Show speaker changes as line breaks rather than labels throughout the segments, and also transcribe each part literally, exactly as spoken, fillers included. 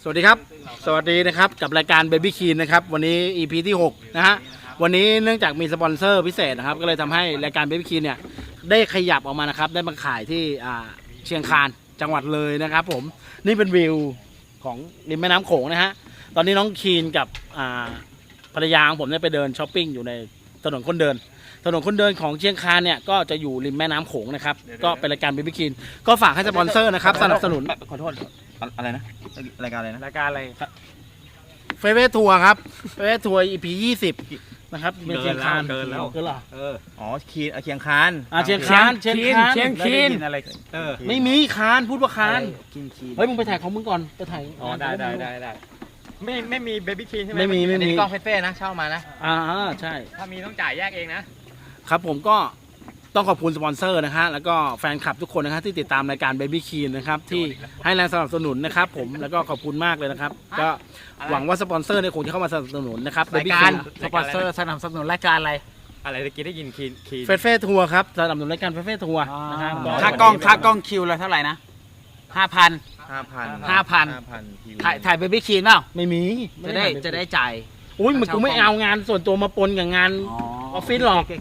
สวัสดีครับสวัสดีนะครับกับรายการ Baby Clean นะครับวันนี้ อี พี ที่หกนะฮะวันนี้เนื่องจากมีสปอนเซอร์พิเศษนะครับก็เลยทำให้รายการ Baby Clean เนี่ยได้ขยับออกมานะครับได้มาขายที่เชียงคานจังหวัดเลยนะครับผมนี่เป็นวิวของริมแม่น้ำโขงนะฮะตอนนี้น้องคีนกับภรรยาของผมได้ไปเดินช้อปปิ้งอยู่ในถนนคนเดินถนนคนเดินของเชียงคานเนี่ยก็จะอยู่ริมแม่น้ำโขงนะครับก็เป็นรายการ Baby Clean ก็ฝากให้สปอนเซอร์นะครับสนับสนุนขอโทษ
อะไรนะรายการอะไรนะ
รายการอะไรครับเฟเวทัวร์ครับเฟเวทัวร์ อี พี ยี่สิบนะครับเชียงคาน
เกินแล้ว
เกินเหรอ
เอออ๋อคีนเชียงคาน
อ่าเชียงคานเชียงคาน
เชียงคีนอะไร
เออไม่มีคานพูดว่าคานเฮ้ยมึงไปถ่ายของมึงก่อนไปถ่าย
อ๋อได้ได้ได้ได้ไม่ไม่มีเบบี้คีนใช่ไหม
ไม่มีไม่มี
กล้องเฟ่ๆนะเช่ามานะ
อ่าใช่
ถ้ามีต้องจ่ายแยกเองนะครับ
ผมก็ต้องขอบคุณสปอนเซอร์นะฮะแล้วก็แฟนคลับทุกคนนะครับที่ติดตามรายการ Baby Clean นะครับที่ให้แรงสนับสนุนนะครับผมแล้วก็ขอบคุณมากเลยนะครับก็หวังว่าสปอนเซอร์เนี่ยคงจะเข้ามาสนับสนุนนะครับ
Baby Clean
สปอนเซอร์สนับสนุนรายการอะไร
อะไรตะกี้ได้ยินคีนคีน
เฟสเฟ่ทัวร์ครับสนับสนุนรายการเฟสเฟ่ทัวร์นะครับ
ค่ากล้องค่ากล้องคิวละเท่าไหร่นะห้าพัน
ห้าพัน
ห้าพันถ่ายถ่าย Baby Clean เปล่า
ไม่มี
จะได้จะได้จ่าย
อุ้ยมันกูไม่เอางานส่วนตัวมาปนกับงานออฟฟิศหรอก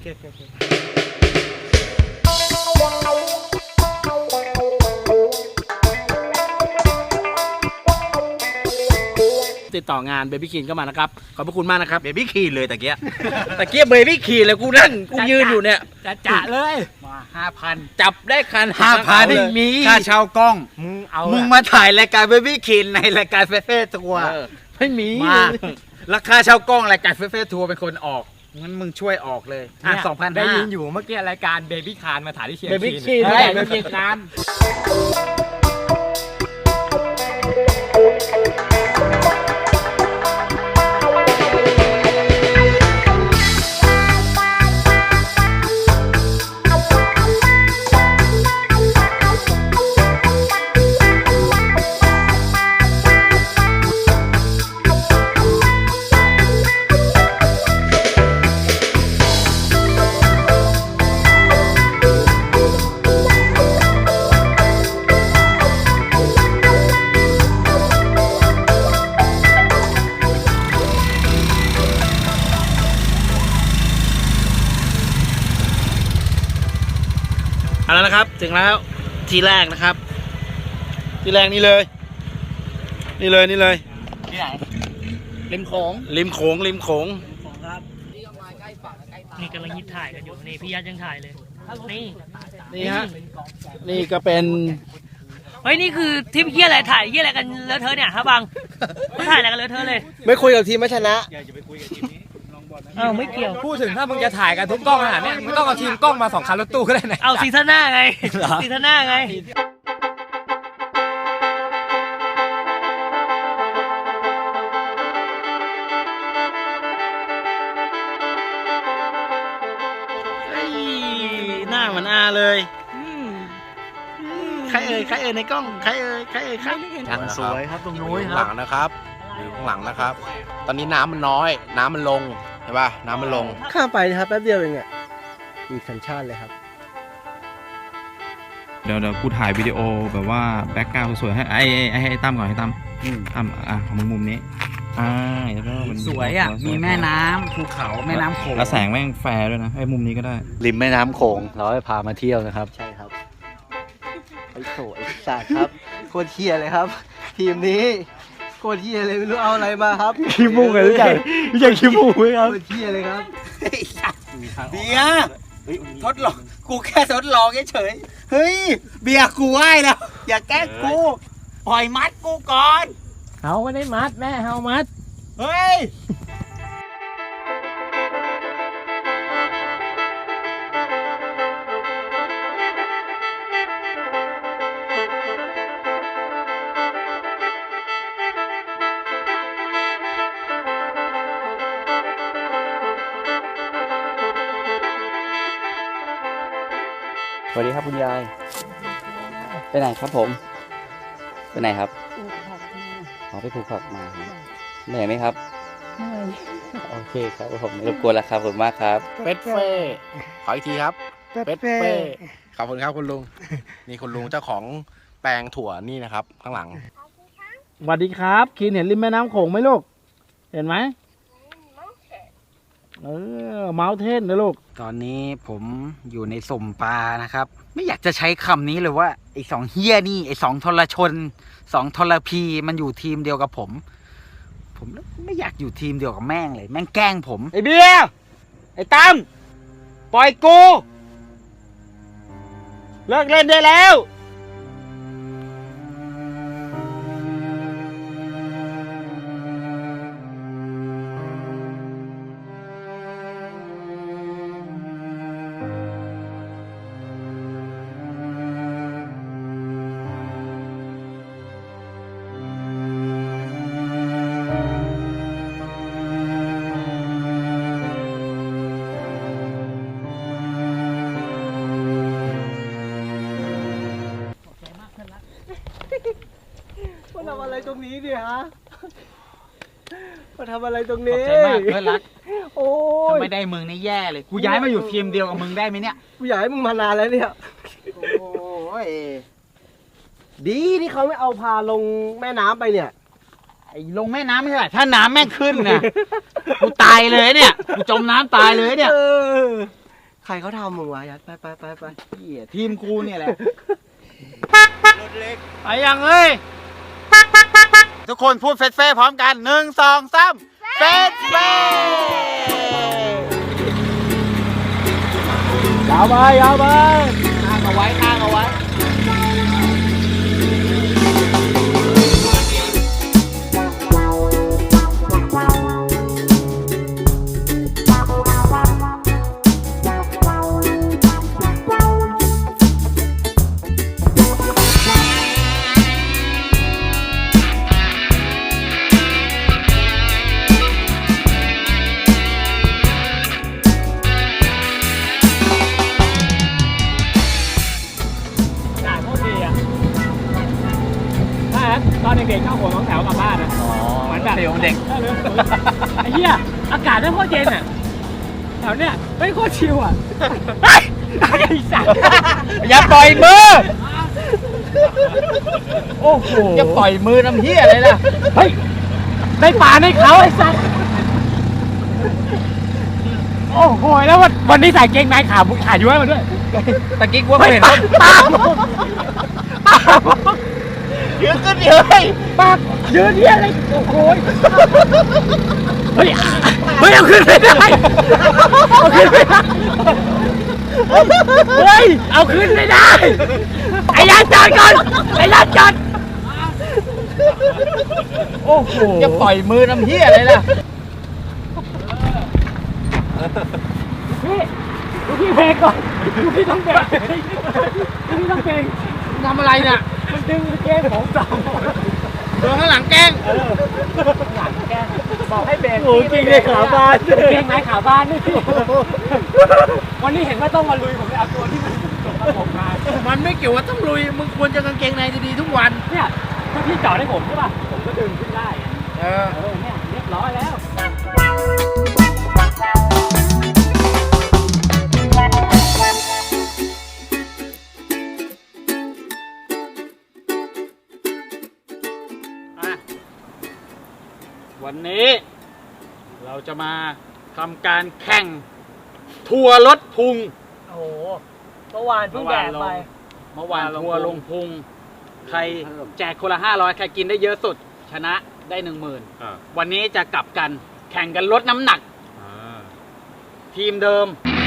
ติดต่องาน Baby Clean ก็มานะครับขอบพระคุณมากนะครับ
Baby Clean เลยตะเกีย
ตะเกีย Baby Clean เลยกูนั่งกูยืนอยู่เนี่ย
จะจ่าเลยมาห้าพัน
จับได้คัน
ห้าพันไม่มีค่าเช่ากล้อง
มึงเอา
มึงมาถ่ายรายการ Baby Clean ในรายการเฟเฟ่ทัวร์
ไม่มี
มาราคาเช่ากล้องรายการเฟเฟ่ทัวร์เป็นคนออกงั้นมึงช่วยออกเลยอ่ะสองพัน
ได้ยินอยู่เมื่อกี้รายการ Baby Clean มาถ่ายที่เชียง
Baby Clean ได้ Baby Cleanเอาแล้วนะครับถึงแล้วทีแรกนะครับทีแรกนี่เลยนี่เลยนี่เลย
ที่ไหนริมโขง
ริมโขงริมโขง
ครับนี่กำลังยิบถ่ายกันอยู่นี่พี่ยัดยังถ่ายเลยนี่
นี่ฮะนี่ก็เป็น
เฮ้ยนี่คือทีมเยี่ยอะไรถ่ายเยี่ยอะไรกันเลอะเทอะเนี่ยครับบังไม่ถ่ายอะไรกันเลอะเทอะเลย
ไม่คุยกับทีมไม่ชนะ
อย่าไปคุยกับทีมนี้
อ้าวไม่เกี่ยว
พูดถึงถ้ามึงจะถ่ายกันทุกกล้องขนาดนี้มึงต้องเอาทีมกล้องมาสองคันรถตู้ก็ได้นะ
เอาซีซั่นหน้าไงซีซั่นหน้าไง
หน้าเหมือนอาเลยใครเอ่ยใครเอ่ยในกล้องใครเอ่ยใครเอ่ยครับ
อย่างสวยครับตรงนู้น
หลังนะครับอยู่ข้างหลังนะครับตอนนี้น้ำมันน้อยน้ำมันลงเห็นป่ะน้ำมันลง
ข้ามไปนะครับแป๊บเดียวเองอ่ะอีกสัญชาติเลยครับ
เดี๋ยวเดี๋ยวกูถ่ายวิดีโอแบบว่าแบ็คกราวด์สวยๆให้ไอ้ไอ้ให้ตั้มก่อนให้ตั้มตั้มอ่ะของมึงมุมนี้อ่าแล้วก็
สวยอ่ะมีแม่น้ำภูเขาแม่น้ำโขง
แล้วแสงแม่งแฟร์ด้วยนะไอ้มุมนี้ก็ได้
ริมแม่น้ำโขงเราให้พามาเที่ยวนะครับใช่ครับไอ้โถไอ้สัตว์ครับโคตรเที่ยเลยครับทีมนี้โคตรเที่ยเลยไม่รู้เอาอะไรมาครับ
ขี้มูกเลยรู้จักรู้จักขี้มูกไหมครับ
โคตรเที่ยเลยครับ
เบียร์ทดลองกูแค่ทดลองเฉยเฮ้ยเบียร์กูไหวแล้วอย่าแกล้งกูปล่อยมัดกูก่อน
เขาไม่ได้มัดแม่เขามัด
เฮ้ย
สวัสดีครับคุณยายไปไหนครับผมไปไหนครับอ๋อไปผูกผักมาเหนื่อยไหมครับเหนื่อยโอเคครับผมรบกวนแล้วครับขอบคุณมากครับ
เป็ดเฟ่ขออีกทีครับเป็ดเฟ่ขอบคุณครับคุณลุงนี่คุณลุงเจ้าของแปลงถั่วนี่นะครับข้างหลัง
สวัสดีครับคีนเห็นริมแม่น้ำโขงไหมลูกเห็นไหมเออเมาเทนนะลูกตอนนี้ผมอยู่ในสุ่มปลานะครับไม่อยากจะใช้คำนี้เลยว่าไอ้สองเฮี้ยนี่ไอ้สองทรชนสองทรพีมันอยู่ทีมเดียวกับผมผมไม่อยากอยู่ทีมเดียวกับแม่งเลยแม่งแกล้งผมไอ้เบียร์ไอ้ตั้มปล่อยกูเลิกเล่นได้แล้ว
มาทำอะไรตรงนี้ดิฮะมาทำอะไรตรง
ขอบ
นี้
ใจมากเพื่อนรัก
โอ้ย
ถ้าไม่ได้มึงนี่แย่เลยกูย้ายมาอยู่ทีมเดียวกับมึงได้ไหมเนี่ย
กูอยากให้มึงมานานแล้วเนี่ย
โอ้ย
ดีที่เขาไม่เอาพาลงแม่น้ำไปเนี่ย
ไอ้ลงแม่น้ำไม่ใช่เหรอถ้าน้ำแม่งขึ้นนะกูตายเลยเนี่ยกูจมน้ำตายเลยเนี่ย
เออใครเขาทำมึงวะยัดไปไปไปไป
เหี้ยทีมกูเนี่ยแหละไปยังเอ้ยทุกคนพูดเฟสเฟ่พร้อมกันหนึ่งสองสามเฟสเฟ่ยาวไปยาวไปข้างเอาไว้ข้างเอาไว้
ตอนเด็กๆชอบหัวน้องแถวกลับบ้านนะเหมือนแบบ
เดี๋ยวเด็ก
ไอ้เหี้ยอากาศไม่โคตรเย็นอ่ะแถวเนี้ยไม่โคตรชิลอ่ะไอ้สัตว์
อย่าปล่อยมือโอ้โหอย่าปล่อยมือน้ำเหี้ยอะไรล่ะ
เฮ้ยได้ปลาในเขาไอ้สัตว์โอ้โหแล้ววันวันนี้ใส่เกงในขาขาย้วยมาด้วย
ตะกี้กูว่าเห็นต้น
ปาก
ยืนขึ้นเลย
ปากยืนเหี้ยอะไรโอ้โหเฮ้ยเฮ้ยเอาขึ้นไม่ได้เอาขึ้นไม่ได้เฮ้ยเอาขึ้นไม่ได้ไอ้ยันจอดก่อนไอ้ยันจอดโอ้โห
อย่าปล่อยมือน้ำเหี้ยอะไรล่ะ
พี่ดูพี่เพลงก่อนดูพี่ต้องเพลงดูพี่ต้องเพลง
ทำอะไรเนี่ย
มันดึงเกมผมสอง
โดนข้างหลังแกล้ง
หลังแกบอกให้เบรก
โอ้จริงเลยขาบาน
เกงไหนขาบ้านนี่วันนี้เห็นว่าต้องมาลุยผมเลยเอาตัวที่มันสกปรกมา
มันไม่เกี่ยวว่าต้องลุยมึงควรจะกางเกงในดีๆทุกวัน
เนี่ยถ้าพี่จอดให้ผมใช่ป่ะผมก็ดึงขึ้นได้
เออ
เออเนี่ยเรียบร้อยแล้ว
วันนี้เราจะมาทำการแข่งทัวร์รถพุง
โอ้โหเมื่อวานเพิ่งแดกไป
เมื่อวานทัวร์ลงพุง ใครแจกคนละห้าร้อยใครกินได้เยอะสุด ชนะได้หนึ่งหมื่นวันนี้จะกลับกันแข่งกันลดน้ำหนักทีมเดิม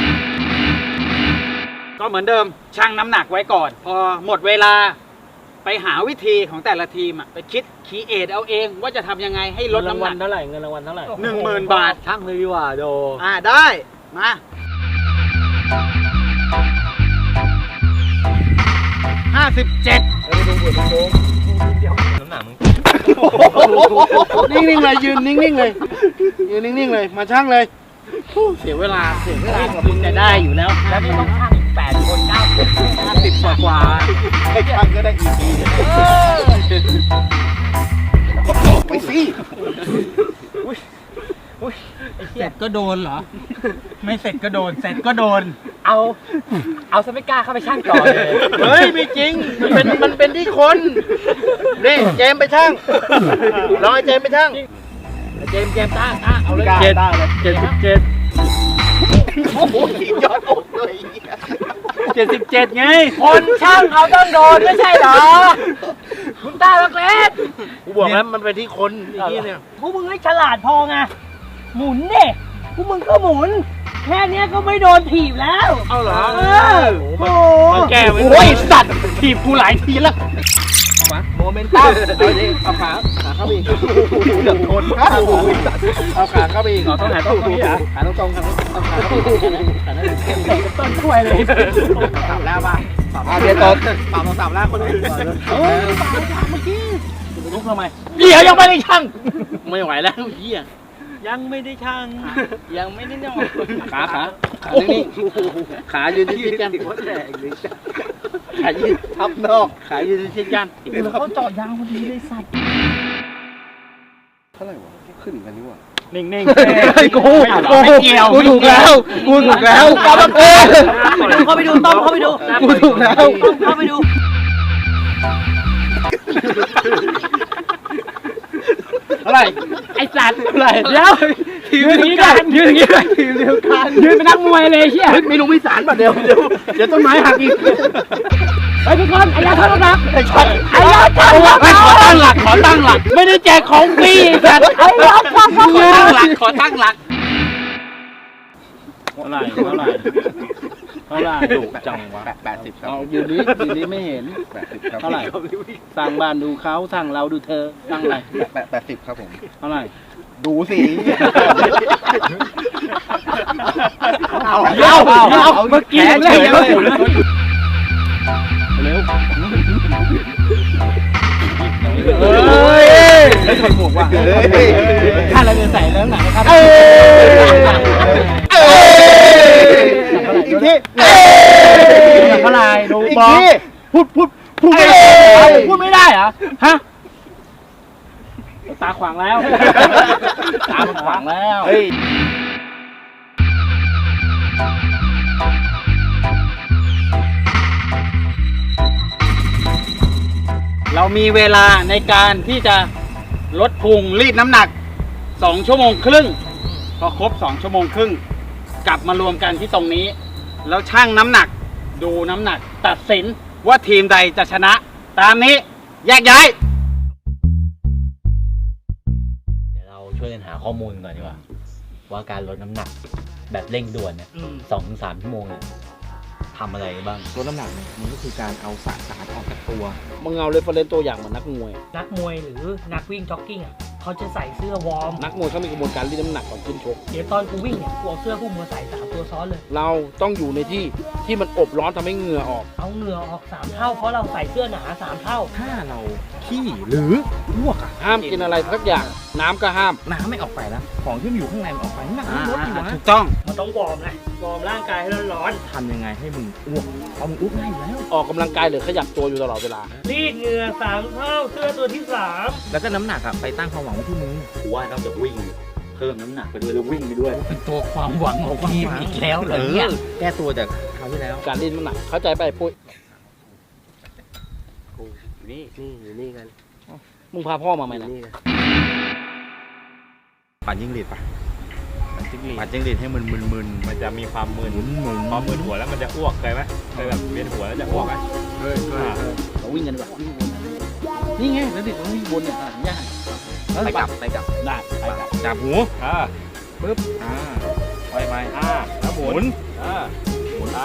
ก็เหมือนเดิมชั่งน้ำหนักไว้ก่อน พอหมดเวลาไปหาวิธีของแต่ละทีมอะไปคิดคีเอทเอาเองว่าจะทำยังไงให้ลดน้ำหนัก
เท่าไหร่เงินรางวัลเท่าไหร่
หนึ่งหมื่นบาท
ช่างเลยดีกว่าโด
อ่าได้มาห้าสิบเจ็ด
น้ำหนักมึง
นิ่งๆเลยยืนนิ่งๆเลยยืนนิ่งๆเลยมาช่างเลยเสียเวลาเสียเวลากับมึงจะได้อยู่แล้ว
แล้วนี่ต้องช่างอีกแปดคนเก้าคน
ห้าสิบกว่ากว่าให้ช่างก็ได้อีกทีไปสิเสร็จก็โดนเหรอ ไม่เสร็จก็โดน เสร็จก็โดน
เอาเอาซะไม่กล้าเข้าไปช่างต่อเลย
เฮ้ยไม่จริงมันเป็นมันเป็นที่คนนี่เจมส์ไปช่างรอไอ้เจมส์ไปช่างเจมส์เจมส์ต้าต้าเอาเลยเจ็ดเจ็ดสิบเจ็ด
โอ้โหยอดอกเลย
เจ็ดสิบเจ็ดไง
คนช่างเขาต้องโดนไม่ใช่เหรอคุณตาลักเล็ก
กูบอกแล้วมันเป็นที่คนไอ้นี่เนี่ย
พวกมึงให้ฉลาดพอไงหมุนเด็พวกมึงก็หมุน แค่เนี้ยก็ไม่โดนถีบแล้ว
เอาเหรอ
เออโอ้
มาแก้ไว้
โอ้ยสัตว์ถีบกูหลายทีแล้ว
โมเมนตัมเอาดิเอาขาขาเข้าไปอีกเกือบทนเอาขาเข้าไปอีกต้องหาต้องตรงนี้เหรอขาตรงตรงครับเอาขาเข้าไปอีกต้นช่วยเลยสับแล้วป่ะสับแล้วเดี๋ยวต้นสับเราสับแล้วคนนี้เฮ้ยสับเมื่อกี้ลุกทำไม
เดี๋ยวยังไม่ได้ช่าง
ไม่ไหวแล้วเฮีย
ยังไม่ได้ช่าง
ยังไม่ได้นอนขาขาขานี่ขายืนที่กันขายืนทับนอกขายืนที่กัน
เขาเจาะยางพอดีเลยสัตว์
นิ่งนิ่ง
ไอ้กูไม่เกี่ยวกูถูกแล้วกูถูกแล้วกำลังเออ
เข้าไปดูต้อมเข้าไปดู
กูถูกแล้ว
ต้อมเข้าไปดู
อะไร
ไอ้สัตว์อะไรเดี๋ยวยืนอย่างนี้กันยืนอย่างนี้กันยืนเดียวกันยืนเป็นนักมวยเลยเชี่ย
ไม่รู้ไม่สารป่ะเดี๋ยวเดี๋ยวเดี๋ยวต้นไม้หักอีก
ไอ้ทุกคนไอ้ยาท่านรัก
ไอ้ช็อตไอ้ยาตั้งหลักขอตั้งหลักขอตั้งหลัก ไม่ได้แจกของฟรีสัตว์ไอ้ยาตั้งหลักขอตั้งหลักเท่าไหร่เท่าไหร่เท่าไหร่ดุจังวะ
แปดสิบครับ
เอาอยู่นี้อยู่นี้ไม่เห็น
แปดสิบครับ
เท่าไหร่สร้างบ้านดูเขาสร้างเราดูเธอสร้างอะไร
แปดแปดสิบครับผม
เท่าไหร่
ดูสิ
เอาเอาเอาเมื่อกี้เล่นแล้ว
เร็ว
เฮ้ย
ไอ้คนหมวกว่ะ
เฮ้ย
ถ้าเราจะใส่เรื่องหนังนะครับ
เอ้ยเอ้ย
อีกที
เท่าไหร่ดู
อีก
บอก
ที
พูดพูดพูดไม่ได้พูดไม่ได้เหรอฮะตาขวางแล้วตามันขวางแล้ว
เฮ้ย
เรามีเวลาในการที่จะลดพุงรีดน้ำหนักสองชั่วโมงครึ่งพอครบสองชั่วโมงครึ่งกลับมารวมกันที่ตรงนี้ แล้วชั่งน้ำหนักดูน้ำหนักตัดสินว่าทีมใดจะชนะ ตามนี้แยกย้าย
เดี๋ยวเราช่วยกันหาข้อมูลก่อนดีกว่า ว่าการลดน้ำหนักแบบเร่งด่วนเนี่ยสองถึงสามชั่วโมงเนี่ยทำอะไรบ้าง
ลดน้ำหนักเนี่ยมันก็คือการเอาสารออกจากตัว
มึงเอาเรฟเฟรนซ์ตัวอย่างเหมือนนักมวย
นักมวยหรือนักวิ่งจ็อกกิ้งอ่ะเขาจะใส่เสื้อวอร์ม
นักมวยเขามีกระบวนการรีดน้ำหนักก่อนขึ้นชก
เดี๋ยวตอนกูวิ่งเนี่ยกูเอาเสื้อพวกมึงมาใส่สามตัวซ้อนเลย
เราต้องอยู่ในที่ที่มันอบร้อนทำให้เหงื่อออก
เอาเหงื่อออกสามเท่าเพราะเราใส่เสื้อหนาสามเท่า
ถ้าเราขี้หรืออ้วกอะ
ห้ามกินอะไรสักอย่างน้ำก็ห้าม
น้ำไม่ออกไปนะของที่มันอยู่ข้างในมันออกไปน้ำหนักมันลดอยู่นะ
ถูกต้อง
มันต้องวอร์มนะวอร์มร่างกายให้ร้อน
ทำยังไงให้มึงอ้วกเอามึงอ้วกง่ายอยู่แล้ว
ออกกำลังกายหรือขยับตัวอยู่ตลอดเวลา
ๆรีดเหงื่อสามเท่าเสื้อตัวที่สาม
แล้วก็น้ำหนักอะไปตั้งความหวังไว้ที่มึง
กูว่าต้องจะวิ่งเพิ่มน้ำหนักไปด้วยแล้ววิ่งไปด้วย
เป็นตัวความหวังของทีมอีกแล้วเหรอเนี่ยแก้ตัวจากคราวที่แล้ว
การรีดน้ำหนักเข้าใจไปปุ้ย
นี่นี่อยู่นี่กัน
มึงพาพ่อมาไหมนะ
นี่กัน
ปั่นยิ่งหรีดปะปั่นยิ่งหรีดให้มันมึนๆ
มันจะมีความมึน
หมุนหมุน
พอมึนหัวแล้วมันจะอ้วกเคยไหมเคยแบบเวียนหัวแล้วจะอ้วกไหม
เราวิ่งกันดีกว่าวิ่งวนนี่ไงแล้วเด็กมันวิ่งวนเนี่ยอ่ะยาก
ไปกลับไปกลับ
ได้ไปกลับ
จับหู
อ่า
ปึ๊บอ่าไปไป
อ่าแล้วหมุนอ่าหมุนไป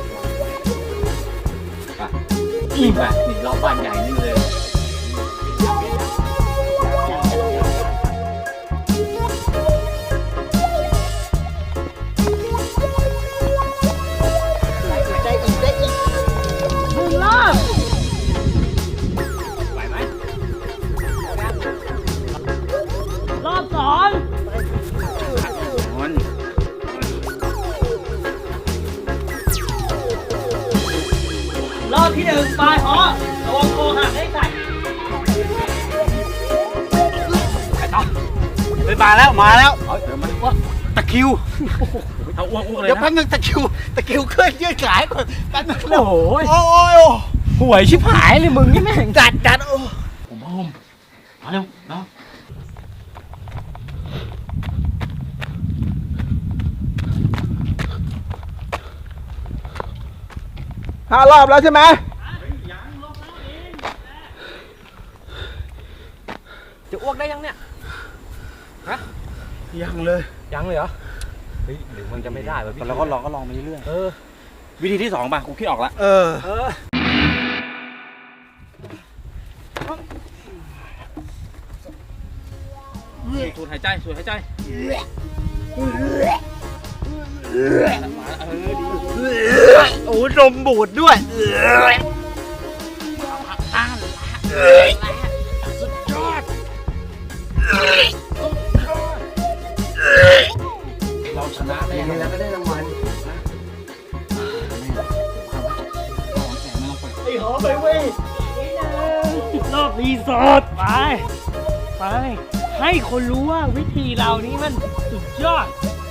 อีกแบบนี่รอบบ้านใหญ่นี่เลย
ได้อีกได้อีก
หนึ่งรอบรอบสอง รอบที่หนึ่งปลายหอระวังโคหักให้ใส่
เฮ้ยมาแล้วมาแล้วตะคริวเอาอ้วกอ้วกเลย
เดี๋ยว
นะ
แป๊บนึงตะคริวตะคริวขึ้นยืดขายก่อนแป๊บนึง
โอ้โห
โอ้ยโอ้ย
ห่วยชิบหายเลยมึงนี่แม่ง
จัดจัดโอ้
ผมพร้อมมาเร็วเนาะห้ารอบแล้วใช่ไหม
จะอ้วกได้ยังเนี่ย
ยังเลย
ยังเลยเหรอ เฮ้ยหรือมันจะไม่ได้วะพี่
เราก็ลองก็ลองไปเรื่อย
เออ
วิธีที่สองป่ะกูคิดออกละเออ
เออ
สูดหายใจสูดหายใจ
โอ้นมบูดด้วยเราชนะได้ยังไงแล้วก็ได้รางวัลไอ้หอมไปเว้ย
รอบรีสอร์ทไป ไป ให้คนรู้ว่าวิธีเรานี้มันสุดยอด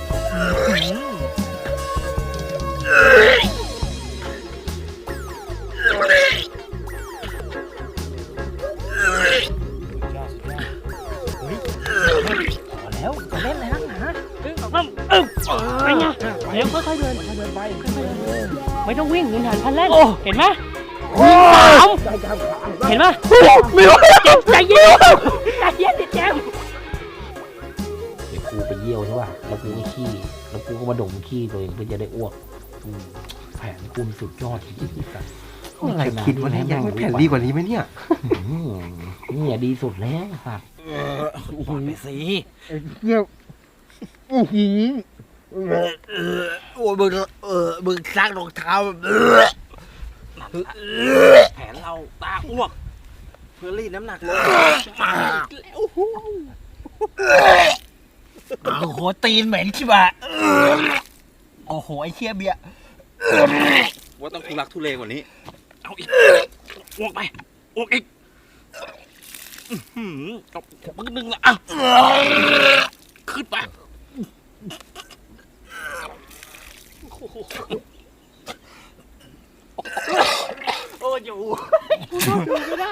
พอแล้วจะเล่นอะไรนักหนาเอ้ยเอาเอ้ยไปไงเดี๋ยวค่อยๆเดินค่อยๆเดินไปค่อยๆเดินไม่ต้องวิ่งเหมือนหันพันเล่นเห็นไหมวิ่งสามเห็นไหมไม่ไหวใจเย็นใจเย็นดิแจม
เดี๋ยวกูไปเยี่ยวใช่ป่ะ แล้วกูก็ขี้ แล้วกูก็มาดมขี้ตัวเองเพื่อจะได้อ้วกอืมแผนกูมันสุดยอดจริงๆกัน
อะไรคิดว่าเนี่ยยังไม่แผ่นดีกว่านี้ไหมเนี่ย
อืมนี่อ่ะดีสุดแล้วครับ
โอ้โหสี
โอ้ยมึงเออมึงซักรองเท้า
แผนเราตาอ้วก เพื่อรีดน้ำหนักลง
โอ้โหตีนเหม็นชิบะโอ้โหไอ้เคี้ยเบียร์ว่าต้องทุลักทุเลกว่านี้
เอาอีกอ้วกไปอ้วกอีกอื้อหือเอามันก็ดึงละอ่ะขึ้นไปโอ้ยอยู่ไม่ได้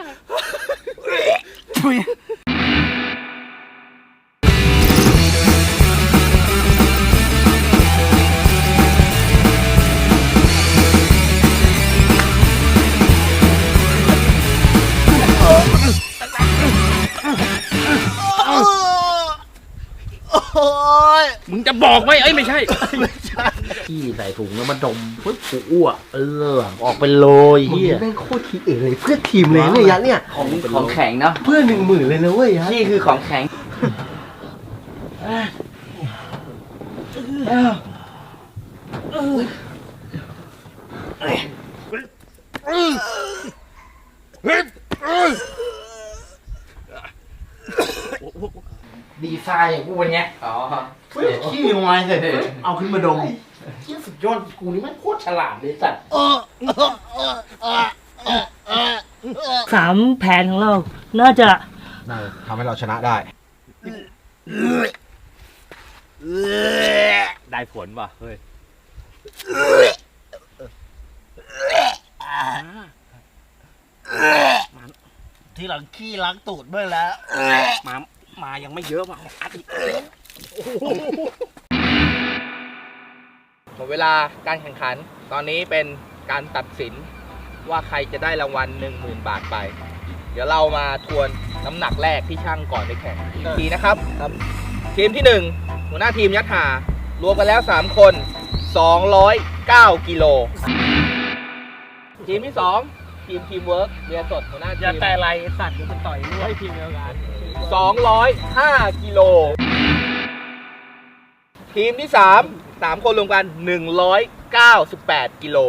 โอ้ย
มึงจะบอกไหมเอ้ยไม่ใช่
ขี้ใส่ถุงแล้วมาดมปึ๊บกูอ้วกเออออกไปเลยเฮีย
แม่งโคตรทีเอเลยเพื่อทีมเลยเนี่ยยัดเนี่ย
ของของแข็งเนาะ
เพื่อหนึ่งหมื่นเลยนะเว้ยยัด
นี่คือของแข็ง
ดีไซน์อย่างกูวันเนี้ยอ๋อ
ขี้ลงมาเสร็จเอาขึ้นมาดมเที่ยสุดยอดกูนี่มันโคตรฉลาดเลยสัตว์
สามแผนของเรา น่าจะ
ทำให้เราชนะได้
ได้ผลป่ะเฮ้ย
ที่หลังขี้ล้างตูดเมื่อแล้ว
มา มายังไม่เยอะมาอัดอีก
หมดเวลาการแข่งขัน ตอนนี้เป็นการตัดสินว่าใครจะได้รางวัล หนึ่งหมื่น บาทไป เดี๋ยวเรามาทวนน้ำหนักแรกที่ช่างก่อนไปแข่งอีกทีนะครับ ทีมที่หนึ่งหัวหน้าทีมยัดหารวมกันแล้วสามคนสองร้อยเก้ากิโล ทีมที่สองทีมทีมเวิร์กเรียนสดหัวหน้าที
อย่าม แต่ไรสัตว์มันจะต่อยด้วยทีมเดียวกัน
สองร้อยห้ากิโล ทีมที่สาม สามคนรวมกันหนึ่งร้อยเก้าสิบแปดกิโล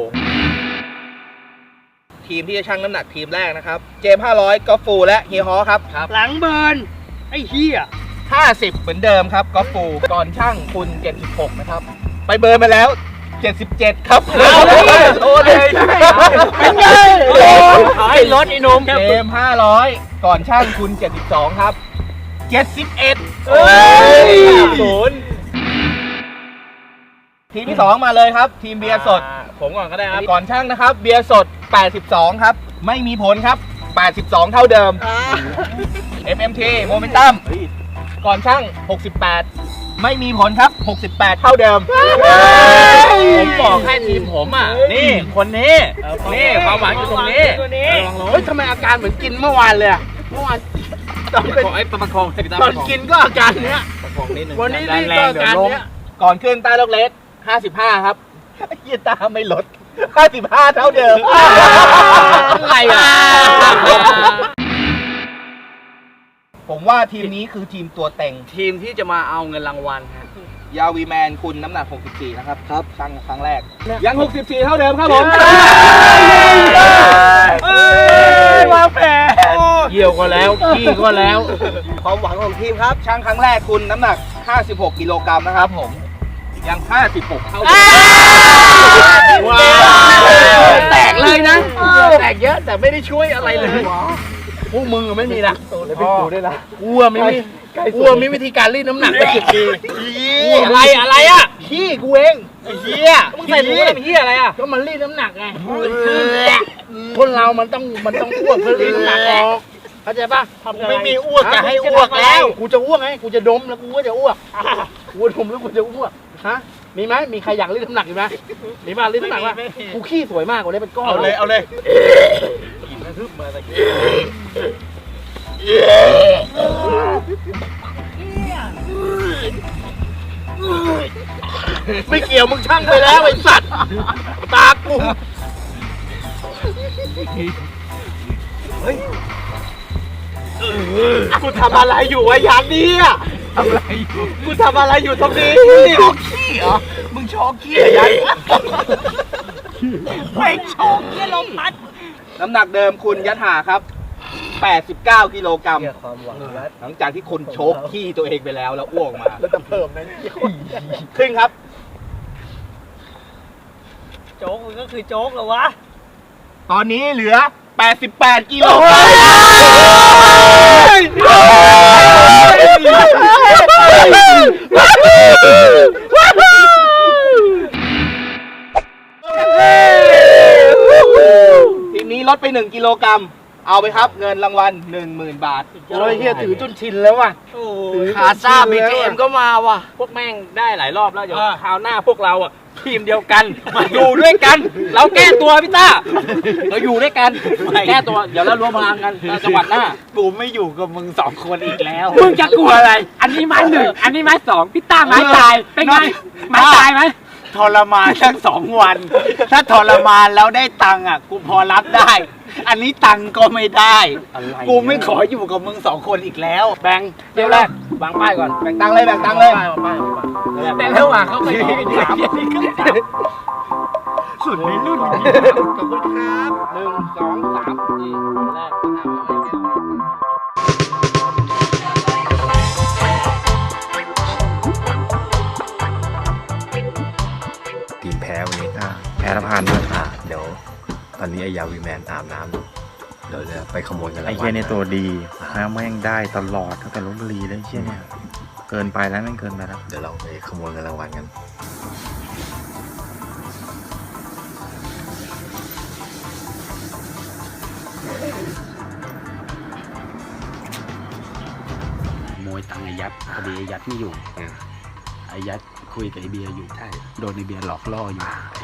ทีมที่จะชั่งน้ำหนักทีมแรกนะครับ เจมส์ห้าร้อยกอล์ฟฟูและเฮียฮอครับครับ
หลังเบิร์นไอ้เหี้ย
ห้าสิบเหมือนเดิมครับกอล์ฟฟูก่อนช่างคุณเจ็ดสิบหกนะครับ ไปเบิร์นมาแล้วเจ็ดสิบเจ็ดครับ
เอาเลย
โอ้เลย
เป็นไงไอ้รถไอ้นม
เจมส์ห้าร้อยก่อนช่างคุณเจ็ดสิบสองครับเจ็ดสิบเอ็ด
เฮ้ย
ศูนย์ทีมที่สองมาเลยครับ ทีมเบียร์สด
ผมก่อนก็ได้ครับ
ก่อนช่างนะครับ เบียร์สด แปดสิบสอง ครับ ไม่มีผลครับ แปดสิบสอง เท่าเดิม เอ็ม เอ็ม ที Momentum ก่อนช่าง หกสิบแปด ไม่มีผลครับ หกสิบแปด เท่าเดิม
ผมบอกให้ทีมผมอ่ะ นี่คนนี้ นี่ความหวังอยู่ตรงนี้
เฮ้ยทำไมอาการเหมือนกินเมื่อวานเลยอะเมื่อวานตอนเป็น
ไอ้ประคองให้พี่ตั้ม
ตอนกินก็อาการเนี้ย
ประคองนิดนึง
วันนี้นี่ก็อาการเนี้ย
ก่อนขึ้นใต้ล็อกเลสห้าสิบห้า ครับเยียตาไม่ลด ห้าสิบห้า เท่าเดิม
อะไรอ่ะ
ผมว่าทีมนี้คือทีมตัวเต็ง
ทีมที่จะมาเอาเงินรางวัลฮะ
ยาวีแมนคุณน้ำหนัก หกสิบสี่ นะครับ ครับช่างครั้งแรก ยัง หกสิบสี่ เท่าเดิมครับผม
วางแผนเยี่ยวก็แล้วขี้ก็แล้ว
ความหวังของทีมครับ ช่างครั้งแรกคุณน้ำหนัก ห้าสิบหก กิโลกรัมนะครับผม ยัง ห้าสิบหก เท่าเดิม
ว้าวแตกเลยนะ แตกเยอะแต่ไม่ได้ช่วยอะไรเลยพวกมึงอะไม่มีนะเลยเป็นกูด้วยนะกูอะไม่มีกูอะมีวิธีการรีดน้ำหนักไปสิบปี
อะไรอะไรอ่ะ
ขี้กูเองไอ้เหี้ย
มึงใส่ถุงอะไรเป็นที่อะไรอ่ะ
ก็มันรีดน้ำหนักไงคนเรามันต้องมันต้องอ้วกเพื่อรีดน้ำหนักออกเข้าใจป่ะ
ไม่มีอ้วกจะให้อ้วกแล้ว
กูจะอ้วกไงกูจะดมแล้วกูก็จะอ้วกกูดมแล้วกูจะอ้วกฮะมีไหมมีใครอยากรีดน้ำหนักอีกไหมมีบ้างรีดน้ำหนักป่ะกูขี้สวยมากกว่านี้เป็นก้อน
เอาเลยเอาเลย
ไม่เกี่ยวมึงช่างไปแล้วไอ้สัตว์ตากู
กูทำอะไรอยู่วะยานนี้อ่ะทำอะไรอยู่กูทำอะไรอยู่ตรงนี้โชว์ขี้เหรอมึงโชว์ขี้เหรอยันไม่โชว์ขี้ลมพัด
น้ำหนักเดิมคุณยัดหาครับ แปดสิบเก้า กิโลกรัมหลังจากที่คนโชกขี้ตัวเองไปแล้วแล้วอ้วกมา
แล้วจะเพิ่มนะ
ขึ้นครับ
โจ๊กมันก็คือโจ๊กเหรอวะ
ตอนนี้เหลือ แปดสิบแปด กิโลกรัมทีมนี้ลดไปหนึ่งกิโลกรัม เอาไปครับเงินรางวัล หนึ่งหมื่น บาท
โอ้ยเฮียถือจนชินแล้วว่ะ
ขาซ่าบีเอ็มก็มาว่ะ
พวกแม่งได้หลายรอบแล้ว เดี๋ยวคราวหน้าพวกเราอ่ะ ทีมเดียวกัน มาอยู่ด้วยกัน เราแก้ตัวพี่ต้า เราอยู่ด้วยกัน แก้ตัว เดี๋ยวเรารวมพลังกันจังหวัดหน้า
กูไม่อยู่กับมึงสองคนอีกแล้ว
มึงจะกลัวอะไร อันนี้ไม้หนึ่ง อันนี้ไม้สองพี่ต้าไม้ตาย เป็นไง ไม้ตายไหม
ทรมานทั้งสองวัน ถ้าทรมานแล้วได้ตังค์อ่ะ กูพอรับได้ อันนี้ตังค์ก็ไม่ได้ กูไม่ขออยู่กับมึงสองคนอีกแล้ว
แบงเดี๋ยวแรกวางป้ายก่อน
แบ่งตังค์เลยแบ่งตังค์เลย
ป้ายวางป้ายวางป้าย
แต่ระหว่างเขาไปถาม
สุดในรุ่น
ขอบคุณครับหนึ่งสองสามนี่แรก
ทีมแพ้วันนี้ก็แพ้ละพันด้วยอ่ะเดี๋ยวตอนนี้ไอ้ยาวีแมนอาบน้ำอยู่เดี๋ยวจะไปขโมยกันแล้ว
ไอ้เชี่ยเนี่ยตัวดีนะแม่งได้ตลอดตั้งแต่ลพบุรีเลยไอ้เชี่ยเนี่ยเกินไปแล้วแม่งเกินไปแล้ว
เดี๋ยวเราไปขโมยกันรางวัลกัน
ขโมยตังค์ไอ้ยัดพอดีไอ้ยัดไม่อยู่ไอ้ยัดคุยกับไอ้เบียร์อยู่ใช่โดนไอ้เบียร์หลอกล่ออยู่ไอ้